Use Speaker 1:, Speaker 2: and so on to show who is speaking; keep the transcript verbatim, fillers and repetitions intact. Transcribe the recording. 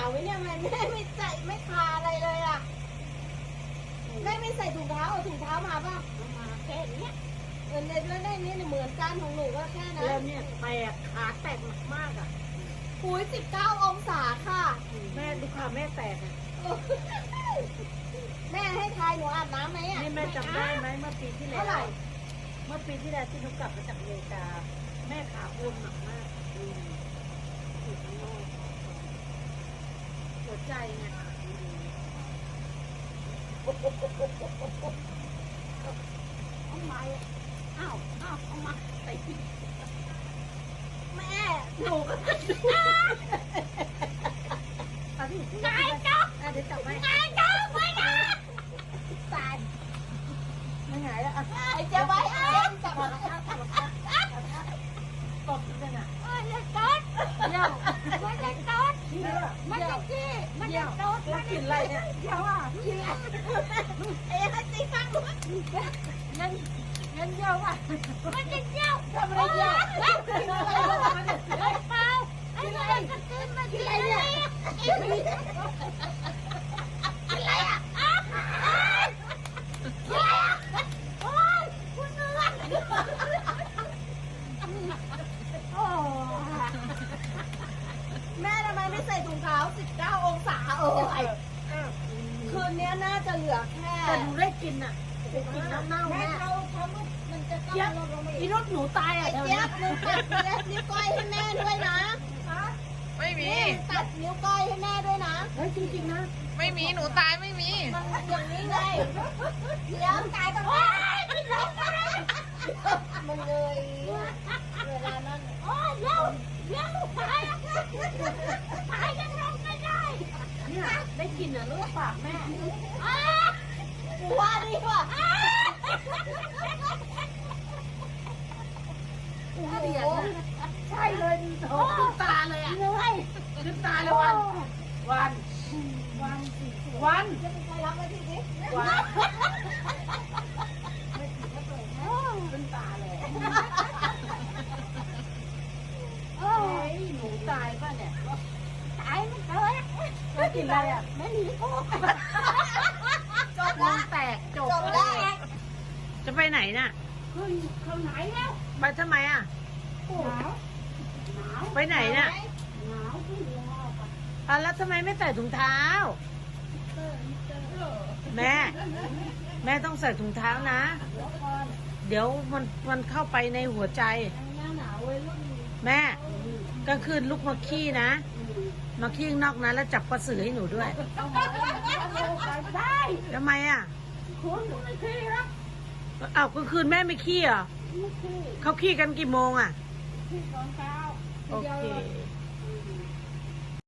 Speaker 1: าวไว้เนี่ยแม่แม่ไม่ใส่ไม่ทาอะไรเลยอ่ะแม่ไม่ใส่ถุงเท้าเอาถุงเท้ามาป่ะมาแค่นี้เออในแล้วได้นี่เหมือนกันของหนูก็แค่นั้นแล้วเนี่ยแตกขาแตกมากๆอ่ะปุ๋ยสิบเก้าองศาค่ะแม่ดูค่ะแม่แตกอ่ะแม่ให้ทายหนูอาบน้ำไหมอ่ะนี่แม่จำได้ไหมเมื่อปีที่แล้วเท่าไหร่เมื่อปีที่แล้วที่หนูกลับมาจากอเมริกาแม่ขาบวมหนักมากอืมอยู่ข้างนอกหัวใจไงเอาไม้อ้าวอ้าวเอามาใส่แม่หนูก็ไงจ๊อกเดี๋ยวจับไว้ไงจ๊อกไว้นะตายไม่ไงแล้วไอ้เจ้าไว้เองจับมาจับมาตบกันอ่ะเออเล็กต๊ดเดี๋ยวมันเล็กต๊ดมันเล็กจี้มันเล็กต๊ดมันกินอะไรเนี่ยเดี๋ยวอ่ะกินอะไรเอ้ให้ตีฟังดูงั้นงั้นเยี่ยวอ่ะมันจะเยี่ยวทำอะไรเยี่ยวกินอะไรมันเนี่ยเปล่าไอ้อะไรก็กินมากินอะไรเนี่ยกินอะไรอ่ะโอ้ยคุณเนื้อโอ้แม่ทำไมไม่ใส่ถุงเท้าสิบเก้าองศาเอ้ยคืนนี้น่าจะเหลือแค่แต่หนูได้กินอ่ะได้กินน้ำเน่าแม่เราทำมันจะต้องลดลงมาอีกรถหนูตายอ่ะเจี๊ยบหนูตัดนิ้วก้อยให้แม่ด้วยนะ
Speaker 2: ไม่มี
Speaker 1: ตัดนิ้วก้อยให้แม่ด้วยนะเฮ้ยจริงๆนะ
Speaker 2: ไม่มีหนูตายไม่มี
Speaker 1: มันอย่างนี้ไงเดี๋ยวตายตรงนี้มันเลยเวลานั้นโอ้ยเร็วเร็วตายตายยังลงไม่ได้เนี่ยได้กินอ่ะลูกปากแม่ว่าดีว่ะโอ้โหใช่เลยโอ้ขึ้นตาเลยอ่ะเลยขึ้นตาเลยวันวันวันสิวันจะเป็นใครรับมาทีนี้วันไม่ถึงก็เปิดนะขึ้นตาเลยโอ้ยหนูตายป่ะเนี่ยตายไม่เคยไม่กินอะไรอ่ะไม่หนีโอ้จบละแตกจบแล้ว
Speaker 2: จะไปไหนน่ะ
Speaker 1: ขึ้นเขาไหนแล้ว
Speaker 2: ไปทำไมอ่ะ
Speaker 1: หนาวหนาว
Speaker 2: ไปไหนน่ะ
Speaker 1: หนาวขึ้นแล้ว
Speaker 2: อ่ะแล้วทำไมไม่ใส่ถุงเท้าแม่แม่ต้องใส่ถุงเท้านะเดี๋ยวมันมันเข้าไปในหัวใจแม่ก็คืนลูกมาขี้นะมาขี้นอกนะแล้วจับกระสือให้หนูด้วย
Speaker 1: ได้
Speaker 2: ทำไมอ่ะ
Speaker 1: คุณไม่ขี้แล้ว
Speaker 2: อ้าวกลางคืนแม่ไม่ขี้เหรอเขาขี้กันกี่โมงอ่ะ
Speaker 1: ขี้ตอนเช้า
Speaker 2: โอเค